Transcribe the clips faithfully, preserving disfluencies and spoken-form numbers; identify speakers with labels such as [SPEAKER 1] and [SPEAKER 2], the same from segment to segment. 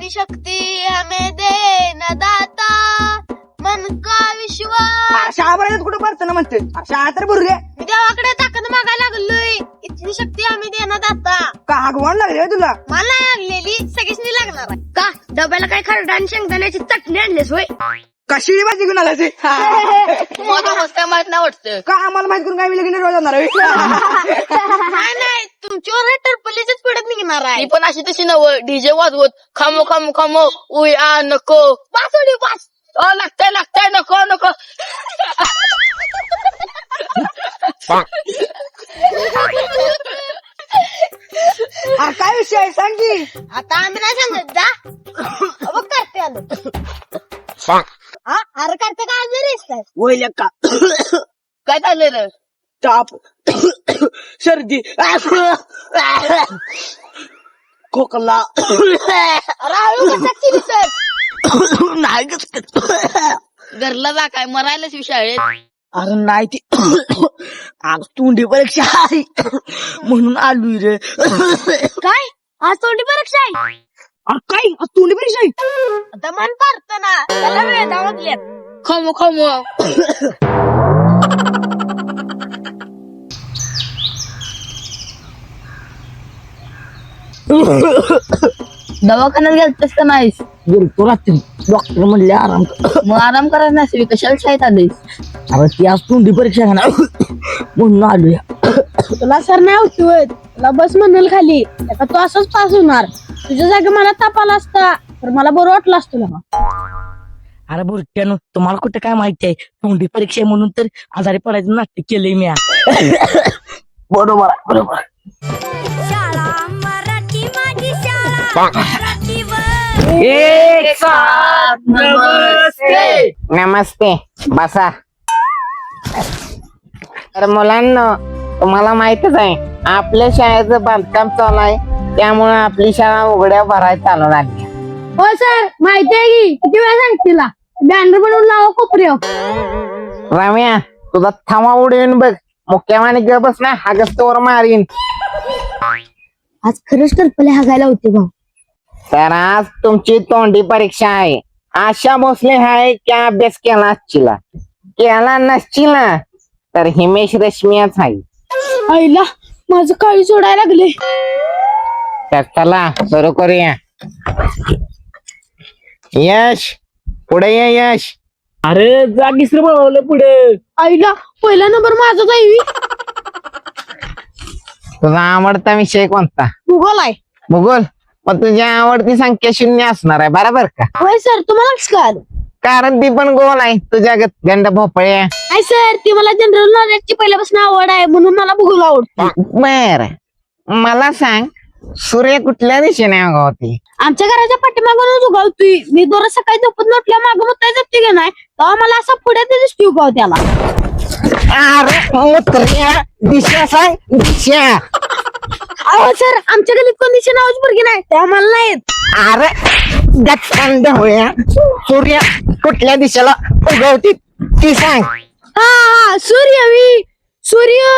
[SPEAKER 1] इतनी शक्ती हमें दे न दाता मन का विश्वास.
[SPEAKER 2] शाळा पर्यंत कुठं पडतं ना म्हणते शाळा तर बुरगे
[SPEAKER 1] मी देवाकडे ताकद मागायला लागलोय. इतनी शक्ती आम्ही देणार दाता.
[SPEAKER 2] का हागवण लागले तुला?
[SPEAKER 1] मला नाही लागलेली, सगळीच लागणार आहे. का डब्याला काय खरडा आणि शेंगदाण्याची चटणी आणलीस होय?
[SPEAKER 2] कशी भाजी घेऊन आला ते
[SPEAKER 1] मला मस्त माहित नाही वाटतं.
[SPEAKER 2] का आम्हाला माहित करून काय मी लगेच रोज जाणार
[SPEAKER 1] नाही नाही तुमच्यावर टरपलीच पडत निघणार आहे. पण अशी तशी नव डीजे वाजवत खामो खामो खामो उय आ नको वाचवली वाच लागतंय लागतंय नको नको.
[SPEAKER 2] काय विषय आहे सांग की.
[SPEAKER 1] आता आम्ही नाही सांगत जा बघ करते आलो. अरे करते काय जरी
[SPEAKER 2] वैल का
[SPEAKER 1] काय चाललंय रे?
[SPEAKER 2] ताप सर्दी खोकला नाही
[SPEAKER 1] घरला जा काय मरायलाच शाळेत.
[SPEAKER 2] अरे नाही ती आज तोंडी परीक्षा आहे म्हणून आलोय रे.
[SPEAKER 1] काय आज तोंडी परीक्षा आहे?
[SPEAKER 2] अरे काय आज तोंडी परीक्षा आहे?
[SPEAKER 1] आता मन पारत ना त्याला वेळ दावतल्यात. खमो खमो दवाखान्यात गेलतेस का नाहीस?
[SPEAKER 2] गेलतो रात्री डॉक्टर म्हणले आराम कर.
[SPEAKER 1] मग आराम करायला नसेल कशाला शाळेत आलीस?
[SPEAKER 2] अरे ती आज तोंडी परीक्षा आहे ना म्हणून आलोय.
[SPEAKER 1] तुला सर नाही होतोय तुला बस म्हणल खाली तू असंच पास होणार. तुझ्या जागी मला ताप आला असता तर मला बरं वाटलं असतं तुला.
[SPEAKER 2] अरे बुरट्यानो तुम्हाला कुठं काय माहिती आहे तोंडी परीक्षा आहे म्हणून तर आजारी पडायचं नाट्य केलंय मी. बरोबर बरोबर.
[SPEAKER 3] एक साथ नमस्ते नमस्ते बसा. तर मुलांना तुम्हाला माहितच आहे आपल्या शाळेचं बांधकाम चालू आहे त्यामुळे आपली शाळा उघड्या भरायला चालू लागली.
[SPEAKER 1] हो सर माहिती आहे की किती वेळा सांगतील बॅनर बनवून लावा कोपऱ्यावर.
[SPEAKER 3] रम्या तुझा थांबा उडवीन बघ मुख्यमाने ग बस ना हागस्तवर मारीन.
[SPEAKER 1] आज खरंच टरपले हागायला होते भाऊ.
[SPEAKER 3] तर आज तुमची तोंडी परीक्षा आहे. आशा भोसले आहे क्या अभ्यास केला असचिला केला नसचिला तर हिमेश रेशमियाच आहे.
[SPEAKER 1] आईला माझं काळी सोडायला लागले.
[SPEAKER 3] तर चला सुरू करूया. यश पुढे ये यश.
[SPEAKER 2] अरे जागीच रे बनवलं पुढे.
[SPEAKER 1] आईला पहिला नंबर माझा जाईवी.
[SPEAKER 3] तुझा आवडता विषय कोणता?
[SPEAKER 1] भूगोल आहे.
[SPEAKER 3] भूगोल. मग तुझी आवडती संख्या शून्य असणार आहे बरोबर का?
[SPEAKER 1] होय सर तुम्हाला कसं कळालं?
[SPEAKER 3] कारण ती पण गोल आहे तुझ्या गंड भोपळे.
[SPEAKER 1] आय सर ती मला जनरल नॉलेजची पहिल्यापासून आवड आहे म्हणून मला भूगोल आवडतो.
[SPEAKER 3] बर मला सांग सूर्य कुठल्या दिशेने उगवते?
[SPEAKER 1] आमच्या घराच्या पाठीमागूनच उगवतोय. मी दररोज सकाळी झोपून उठल्या मागं मुताय जाते की नाही तेव्हा मला असा पुढे दिसतोय उगव त्याला.
[SPEAKER 3] अरे मुत्र्या दिशा सांग दिशा.
[SPEAKER 1] अहो सर आमच्या गलीत कोण दिशा नावाची मुलगी नाही त्या मला नाहीत.
[SPEAKER 3] अरे गच्चंड होया सूर्य कुठल्या दिशेला उगवते ती सांग.
[SPEAKER 1] हा हा सूर्य मी सूर्य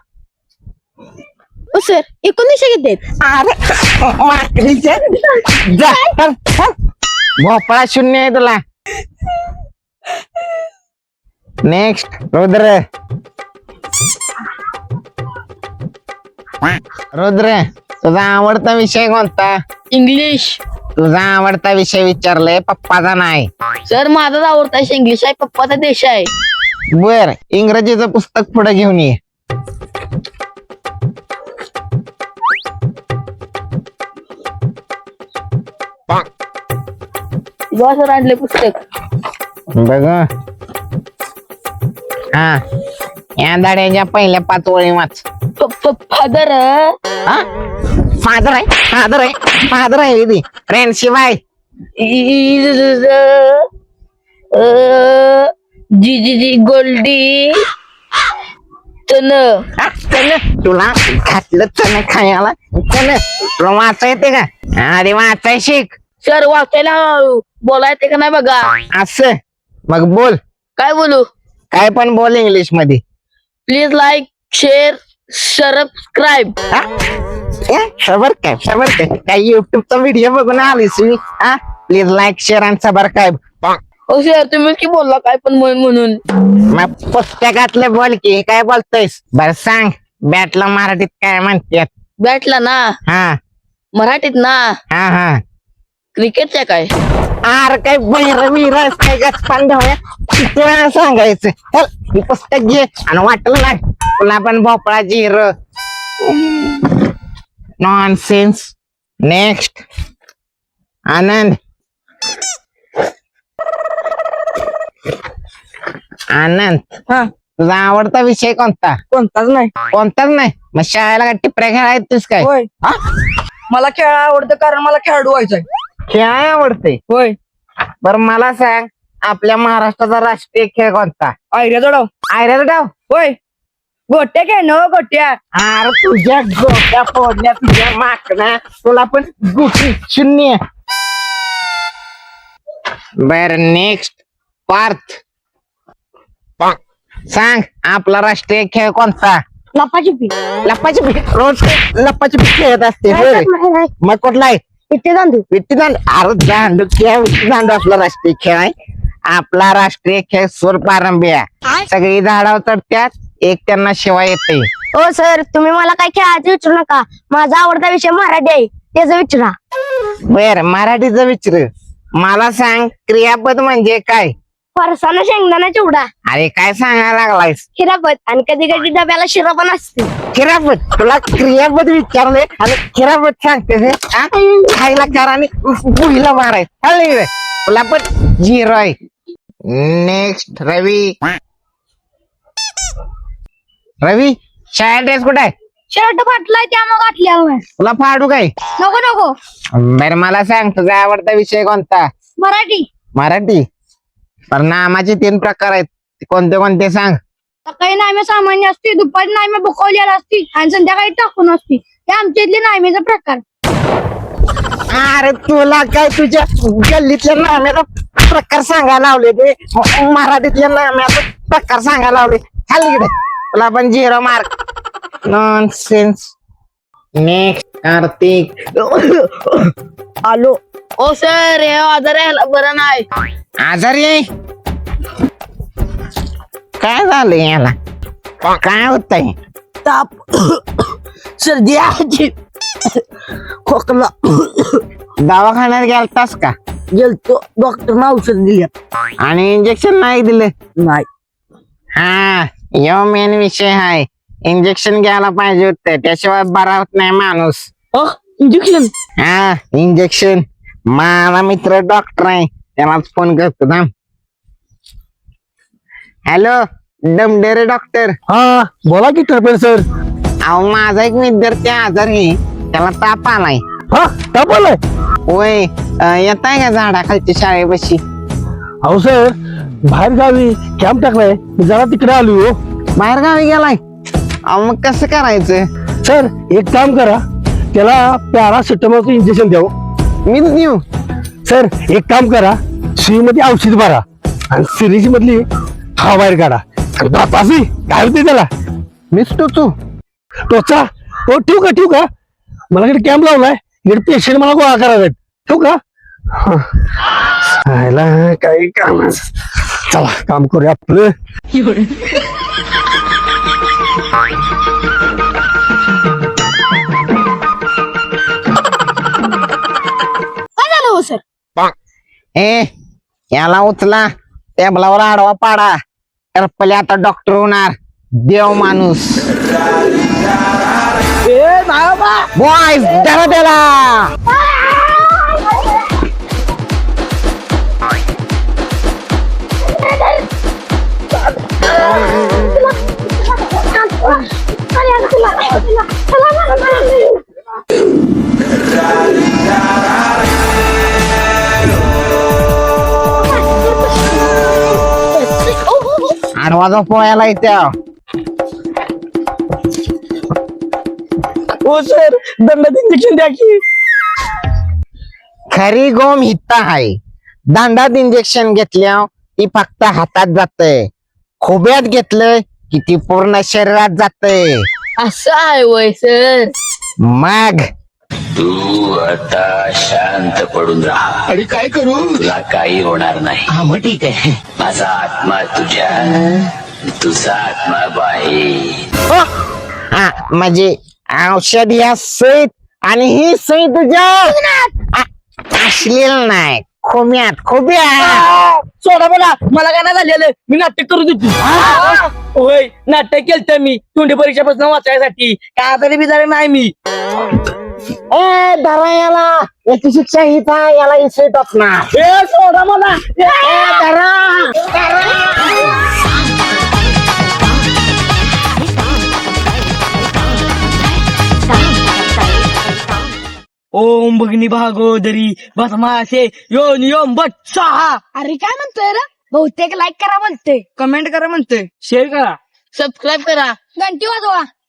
[SPEAKER 1] ओ सर एकूण दिशा किती आहेत?
[SPEAKER 3] अरे माकडीच्या जा, चल, चल. भोपळा शून्य आहे तुला. नेक्स्ट रुद्र. रुद्र तुझा आवडता विषय कोणता?
[SPEAKER 1] इंग्लिश.
[SPEAKER 3] तुझा आवडता विषय विचारलाय पप्पाचा नाही.
[SPEAKER 1] सर माझाच आवडता इंग्लिश आहे पप्पाचा देश आहे.
[SPEAKER 3] बर इंग्रजीचं पुस्तक पुढे घेऊन ये.
[SPEAKER 1] सर आणले पुस्तक
[SPEAKER 3] बघ हा या धाड्याच्या पहिल्या पाच ओळी वाच.
[SPEAKER 1] फादर
[SPEAKER 3] फादर आहे फादर आहे फादर आहे दीदी फ्रेंड शिवाय
[SPEAKER 1] जी जी जी गोल्डी तन
[SPEAKER 3] हा, चल तुला घातलं चल खायला चल. तुला वाचा येते का? अरे वाचाय शिक.
[SPEAKER 1] सर वाचायला बोलाय ते का नाही बघा.
[SPEAKER 3] असं मग बोल
[SPEAKER 1] काय बोलू?
[SPEAKER 3] काय पण बोल इंग्लिश मध्ये.
[SPEAKER 1] Please like share subscribe.
[SPEAKER 3] खबर काय खबर काय काय युट्यूबचा व्हिडिओ बघून आलीस मी हा प्लीज लाईक शेअर आणि सबस्क्राईब
[SPEAKER 1] हो सर तुम्ही की बोलला काय पण म्हणून म्हणून
[SPEAKER 3] मग पुस्तकातलं बोल की काय बोलतोयस बर सांग बॅटला मराठीत काय म्हणतात
[SPEAKER 1] बॅटला ना
[SPEAKER 3] हा
[SPEAKER 1] मराठीत ना
[SPEAKER 3] हा हा
[SPEAKER 1] क्रिकेटच्या काय
[SPEAKER 3] आर काय बैर बिर काय गचपान ढवळ्या किती वेळा सांगायचं चल ही पुस्तक घे आणि वाटलं ना तुला पण भोपळा जिर नॉनसेन्स नेक्स्ट आनंद आनंद
[SPEAKER 2] हा
[SPEAKER 3] तुझा आवडता विषय कोणता
[SPEAKER 2] कोणताच नाही
[SPEAKER 3] कोणताच नाही मग शाळेला काय टिपऱ्या खेळायचीस काय
[SPEAKER 2] होय
[SPEAKER 3] हा?
[SPEAKER 2] मला खेळ आवडतं कारण मला खेळाडू व्हायचंय
[SPEAKER 3] खेळाय आवडते
[SPEAKER 2] होय
[SPEAKER 3] बरं मला सांग आपल्या महाराष्ट्राचा राष्ट्रीय खेळ कोणता
[SPEAKER 2] आयऱ्या जोडाव
[SPEAKER 3] आयरल डाव
[SPEAKER 2] होय गोट्या खेळ न गोट्या
[SPEAKER 3] अरे तुझ्या गोट्या फोडल्या तुझ्या माकड्या तुला पण गुटी शून्य बर नेक्स्ट पार्थ सांग आपला राष्ट्रीय खेळ कोणता
[SPEAKER 1] लपाची पी
[SPEAKER 3] लप्पाची रोज लप्पाची खेळत असते होय. मग कुठला आहे
[SPEAKER 1] इथे दांडू
[SPEAKER 3] विट्टी दांडू अरे दांडू खेळ विट्टी दांडू आपला राष्ट्रीय खेळ आहे आपला राष्ट्रीय खेळ सूर पारंबी आहे सगळी झाडावर चढत्यात एक त्यांना शिवाय येते
[SPEAKER 1] हो सर तुम्ही मला काय खेळायचं विचारू नका माझा आवडता विषय मराठी आहे त्याचा विचारा
[SPEAKER 3] बर मराठीचं विचार मला सांग क्रियापद म्हणजे काय
[SPEAKER 1] फरसाना शेंगदाणा चिवडा
[SPEAKER 3] अरे काय सांगायला लागलायस
[SPEAKER 1] खिरापत आणि कधी कधी डब्याला शिरा पण असते
[SPEAKER 3] खिरापत तुला क्रियापद विचारले आणि खिरापत सांगते हे, हा? खायला चार आणि बुहीला माराय तुला पण झिरो आहे नेक्स्ट रवी रवी शाळा ड्रेस कुठे आहे
[SPEAKER 1] शर्ट फाटलाय त्यामुळे घातल्या
[SPEAKER 3] तुला फाडू काय
[SPEAKER 1] नको नको
[SPEAKER 3] बर मला सांग तुझा आवडता विषय कोणता
[SPEAKER 1] मराठी
[SPEAKER 3] मराठी पर नामाचे तीन प्रकार आहेत ते कोणते कोणते सांग
[SPEAKER 1] सकाळी नामे सामान्य असते दुपारी नामे बुकवलेला असते आणि संध्याकाळी टाकून असते हे आमच्या इथले नामेचा प्रकार
[SPEAKER 3] अरे तुला काय तुझ्या गल्लीतल्या नाम्याचा प्रकार सांगायला लावले ते म- मराठीतल्या नाम्याचा प्रकार सांगायला लावले खाली इकडे तुला पण zero mark non sense next Kartik
[SPEAKER 2] आलो
[SPEAKER 1] ओ सर हे आजार यायला बरं नाही
[SPEAKER 3] आजारी आहे काय झालं याला काय होतंय
[SPEAKER 2] ताप सर्दी आजी खोकला
[SPEAKER 3] दवाखान्यात गेलतास का
[SPEAKER 2] गेलतो डॉक्टरनं औषध दिली
[SPEAKER 3] आणि इंजेक्शन नाही दिलं
[SPEAKER 2] नाही
[SPEAKER 3] हा यो मेन विषय आहे इंजेक्शन घ्यायला पाहिजे होतं त्याशिवाय बरा होत नाही माणूस
[SPEAKER 2] इंजेक्शन
[SPEAKER 3] हा इंजेक्शन माझा मित्र डॉक्टर आहे त्यालाच फोन करतो थांब हॅलो डमडेरे डॉक्टर
[SPEAKER 2] हा बोला की टर्पेल सर
[SPEAKER 3] अहो माझा एक विद्यार्थी आजारी आहे त्याला ताप आलाय
[SPEAKER 2] हा ताप आलाय
[SPEAKER 3] होय येत आहे का झाडाखालच्या शाळेपाशी
[SPEAKER 2] अहो सर बाहेर गावी कॅम्प टाकलाय मी जरा तिकडे आलो हो
[SPEAKER 3] बाहेर गावी गेलाय अहो मग कसं करायचं
[SPEAKER 2] सर एक काम करा त्याला पॅरासिटामॉलचं इंजेक्शन द्यावं
[SPEAKER 3] मीच देऊ
[SPEAKER 2] सर एक काम करा सुई मध्ये औषध भरा आणि सिरीज मधली हा बाहेर काढा बापासी काय होते त्याला
[SPEAKER 3] मीच टोचू
[SPEAKER 2] टोचा हो ठेवू का ठेवू का मला इकडे कॅम्प लावलाय इकडे पेशंट मला गोळा करायला ठेवू का खायला काही काम चला काम करूया आपलं
[SPEAKER 1] काय झालं हो सर
[SPEAKER 3] ए याला उचला टेबलावर आडवा पाडा तर पहिले आता डॉक्टर होणार देव माणूस बॉयज धरा त्याला आडवा पोहायला येत्या
[SPEAKER 2] हो सर दंडात इंजेक्शन द्या की
[SPEAKER 3] खरी गोम हित्ता आहे दांडात इंजेक्शन घेतल्या ती फक्त हातात जाते खोब्यात घेतलं की ती पूर्ण शरीरात जाते
[SPEAKER 1] असं आहे वय सर
[SPEAKER 3] मग
[SPEAKER 4] तू आता शांत पडून राहा
[SPEAKER 5] आणि काय करू
[SPEAKER 4] तुला काही होणार नाही.
[SPEAKER 5] हा मग ठीक आहे.
[SPEAKER 4] माझा आत्मा तुझ्या तुझा आत्मा बाहेर.
[SPEAKER 3] हो. हा म्हणजे औषध या सईत आणि ही सई तुझ्या आ- अश्लील नाही खोम्यात खोब्यात.
[SPEAKER 2] सोडा बोला मला काय नाही झालेलं मी नाटक करू देतो. होय नाटक केलं मी तोंडी परीक्षेपासून वाचायसाठी काय आजारी बिजारी नाही मी.
[SPEAKER 3] ए धरा याला याची शिक्षा हीच आहे याला इसे टपणार.
[SPEAKER 2] ए सोडा मला
[SPEAKER 3] ए धरा
[SPEAKER 2] ओम भगिनी भागोदरी बस मासे योन योम बट सहा.
[SPEAKER 1] अरे काय म्हणतोय रे बहुतेक लाईक करा म्हणतोय
[SPEAKER 2] कमेंट करा म्हणतोय शेअर करा
[SPEAKER 1] सबस्क्राईब करा घंटी वाजवा